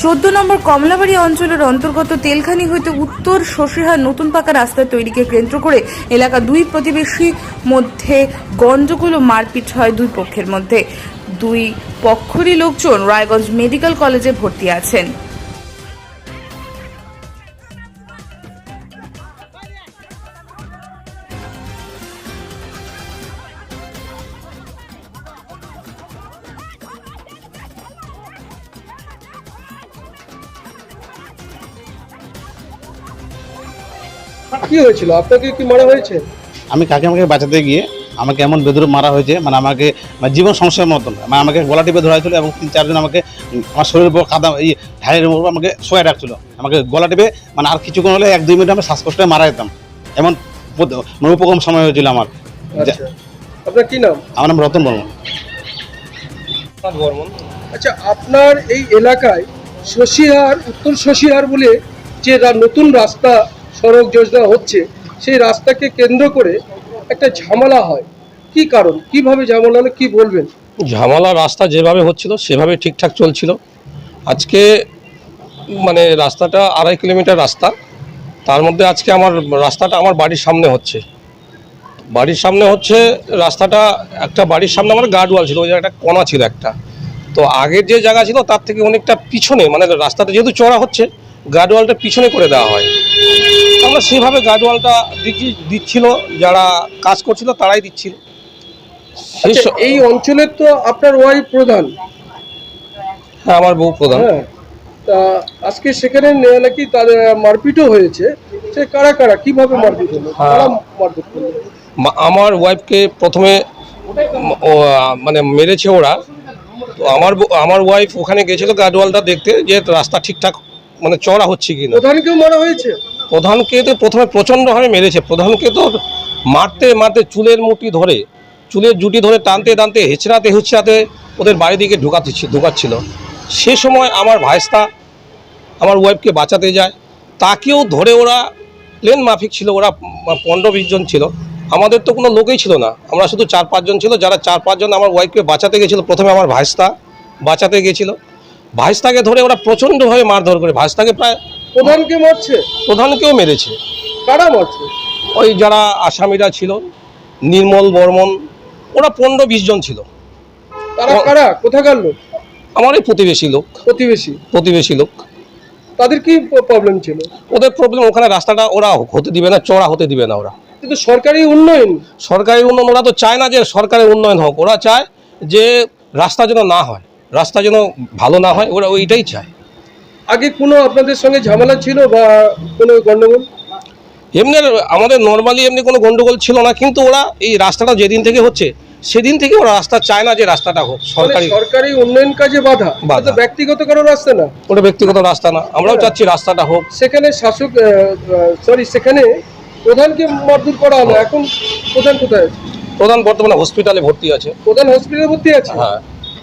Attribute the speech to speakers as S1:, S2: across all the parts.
S1: 14 নম্বর কমলাবাড়ি অঞ্চলের অন্তর্গত তেলখানি হইতে উত্তর শশীহার নতুন পাকা রাস্তা তৈরিকে কেন্দ্র করে এলাকা দুই প্রতিবেশী মধ্যে গন্ডগোল ও মারপিট হয় দুই পক্ষের মধ্যে। দুই পক্ষেরই লোকজন রায়গঞ্জ মেডিকেল কলেজে ভর্তি আছেন।
S2: কি হয়েছিল? আপনাকে কি মারা হয়েছে?
S3: আমি কাকিমাকে বাঁচাতে গিয়ে আমাকে এমন বেদুরে মারা হয়েছে, মানে আমাকে জীবন সংশয়ের মতন, মানে আমাকে গলা টিপে ধরা হয়েছিল এবং 3-4 জন আমাকে আমার শরীরের উপর কাদা এই ঢালের উপর আমাকে শোয়া রাখছিল, আমাকে গলা টিপে, মানে আর কিছুক্ষণ হলে 1-2 মিনিট আমি শ্বাসকষ্টে মারা যেতাম, এমন উপকম সময় হয়েছিল আমার।
S2: আচ্ছা, আপনার কি নাম?
S3: আমার নাম রতন বর্মন।
S2: আচ্ছা, আপনার এই এলাকায় শশীহার, উত্তর শশীহার বলে যে নতুন রাস্তা সড়ক যোজনা হচ্ছে, সেই রাস্তাকে কেন্দ্র করে একটা ঝামেলা হয়, কি কারণ, কিভাবে ঝামেলা হলো, কি বলবেন?
S4: ঝামেলা রাস্তা যেভাবে হচ্ছিল সেভাবে ঠিকঠাক চলছিল। আজকে মানে রাস্তাটা 2.5 কিলোমিটার রাস্তা, তার মধ্যে আজকে আমার রাস্তাটা আমার বাড়ির সামনে হচ্ছে। রাস্তাটা একটা বাড়ির সামনে আমার গার্ডওয়াল ছিল, ওই একটা কোণা ছিল একটা। তো আগের যে জায়গা ছিল তার থেকে অনেকটা পিছনে, মানে রাস্তাটা যেহেতু চড়া হচ্ছে গার্ডওয়ালটা পিছনে করে দেওয়া হয়। আমরা সেভাবে গার্ডওয়ালটা দিচ্ছিল, যারা কাজ করছিল তারাই দিচ্ছিল।
S2: আচ্ছা, এই অঞ্চলের তো আপনার ওয়াইফ প্রধান।
S4: হ্যাঁ, আমার বউ প্রধান।
S2: হ্যাঁ, তা আজকে সেখানে নাকি তাদের মারপিটও হয়েছে, সে কারা কারা, কিভাবে মারপিট হলো, কারা মারপিট করলো?
S4: আমার ওয়াইফকে প্রথমে মানে মেরেছে ওরা। তো আমার ওয়াইফ ওখানে গেছিল গার্ডওয়ালটা দেখতে, যে রাস্তা ঠিকঠাক মানে চড়া হচ্ছে কিনা।
S2: প্রধানকেও মারা হয়েছে?
S4: প্রধানকে তো প্রথমে প্রচণ্ডভাবে মেরেছে। প্রধানকে তো মারতে মারতে চুলের জুটি ধরে টানতে টানতে হেঁচড়াতে ওদের বাড়ি দিকে ঢুকাচ্ছিল। সে সময় আমার ভাইস্তা আমার ওয়াইফকে বাঁচাতে যায়, তাকেও ধরে ওরা প্লেন মাফিক ছিল, ওরা 15-20 জন ছিল। আমাদের তো কোনো লোকেই ছিল না, আমরা শুধু 4-5 জন ছিল, যারা 4-5 জন আমার ওয়াইফকে বাঁচাতে গেছিলো। প্রথমে আমার ভাইস্তা বাঁচাতে গেছিল, ভাইস্তাকে ধরে ওরা প্রচণ্ডভাবে মারধর করে ভাইস্তাকে প্রায়।
S2: প্রধানকে মারছে?
S4: প্রধানকেও মেরেছে।
S2: কারা মারছে?
S4: ওই যারা আসামিরা ছিল, নির্মল বর্মন, ওরা 15-20 জন ছিল।
S2: তারা কারা, কোথাকার লোক?
S4: আমার এই প্রতিবেশী লোক।
S2: তাদের কি প্রবলেম ছিল?
S4: ওদের প্রবলেম, ওখানে রাস্তাটা ওরা হতে দিবে না, চড়া হতে দিবে না ওরা।
S2: কিন্তু সরকারি উন্নয়ন
S4: ওরা তো চায় না যে সরকারের উন্নয়ন হোক, ওরা চায় যে রাস্তা যেন না হয়, রাস্তা যেন ভালো না হয়, ওরা ওইটাই চায়।
S2: আগে কোনো আপনাদের সঙ্গে ঝামেলা ছিল বা কোনো গন্ডগোল?
S4: এমনি আমাদের নর্মালি এমনি কোনো গন্ডগোল ছিল না, কিন্তু ওরা এই রাস্তাটা যেদিন থেকে হচ্ছে সেদিন থেকে ওরা রাস্তা চায় না যে রাস্তাটা হোক।
S2: সরকারি উন্নয়ন কাজে বাধা, ব্যক্তিগত কোনো রাস্তা না,
S4: ওটা ব্যক্তিগত রাস্তা না। আমরাও চাচ্ছি রাস্তাটা হোক।
S2: সেখানে সেখানে প্রধানকে মারধর করা হলো। এখন প্রধান কোথায় আছে?
S4: প্রধান বর্তমানে হসপিটালে ভর্তি আছে।
S2: প্রধান হসপিটালে ভর্তি আছে?
S4: হ্যাঁ।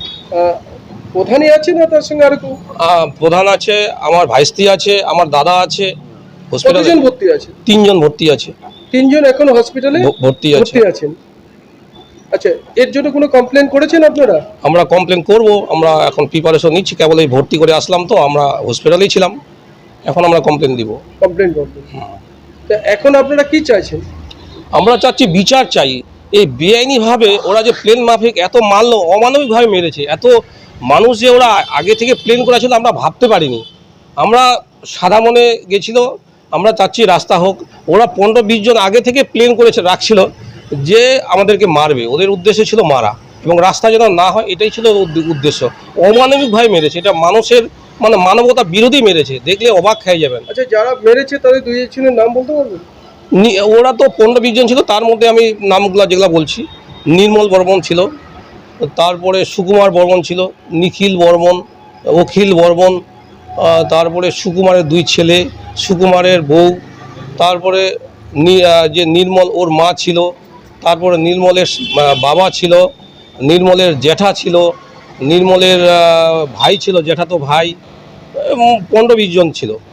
S2: প্রধানই আছে না তার সঙ্গে আর কেউ?
S4: প্রধান আছে, আমার ভাইস্তি আছে, আমার দাদা আছে।
S2: হসপিটালে ভর্তি আছে?
S4: 3 জন ভর্তি আছে।
S2: 3 জন এখন হসপিটালে ভর্তি আছেন। আচ্ছা, এর জন্য কোনো কমপ্লেন করেছেন আপনারা?
S4: আমরা কমপ্লেন করব, আমরা এখন প্রিপারেশন নিচ্ছি। কেবল এই ভর্তি করে আসলাম, তো আমরা হসপিটালেই ছিলাম, এখন আমরা কমপ্লেন করবেন। তা এখন আপনারা কি চাইছেন? আমরা চাচ্ছি বিচার চাই। এই বেআইনিভাবে ওরা যে প্লেন মাফিক এত মারলো, অমানবিকভাবে মেরেছে, এত মানুষ যে ওরা আগে থেকে প্লেন করা ছিল আমরা ভাবতে পারিনি। আমরা সাদা মনে গেছিল, আমরা চাচ্ছি রাস্তা হোক। ওরা 15-20 জন আগে থেকে প্লেন করেছে রাখছিল যে আমাদেরকে মারবে, ওদের উদ্দেশ্য ছিল মারা, এবং রাস্তা যেন না হয় এটাই ছিল উদ্দেশ্য। অমানবিকভাবে মেরেছে, এটা মানুষের মানে মানবতা বিরোধী মেরেছে, দেখলে অবাক খেয়ে যাবেন।
S2: আচ্ছা, যারা মেরেছে তাদের 2 জনের নাম বলতে পারবেন?
S4: ওরা তো 15-20 জন ছিল, তার মধ্যে আমি নামগুলো যেগুলো বলছি, নির্মল বর্মন ছিল, তারপরে সুকুমার বর্মন ছিল, নিখিল বর্মন, অখিল বর্মন, তারপরে সুকুমারের 2 ছেলে, সুকুমারের বউ, তারপরে যে নির্মল ওর মা ছিল, তারপরে নির্মলের বাবা ছিল, নির্মলের জ্যাঠা ছিল, নির্মলের ভাই ছিল, জ্যাঠাতো ভাই, 15-20 জন ছিল।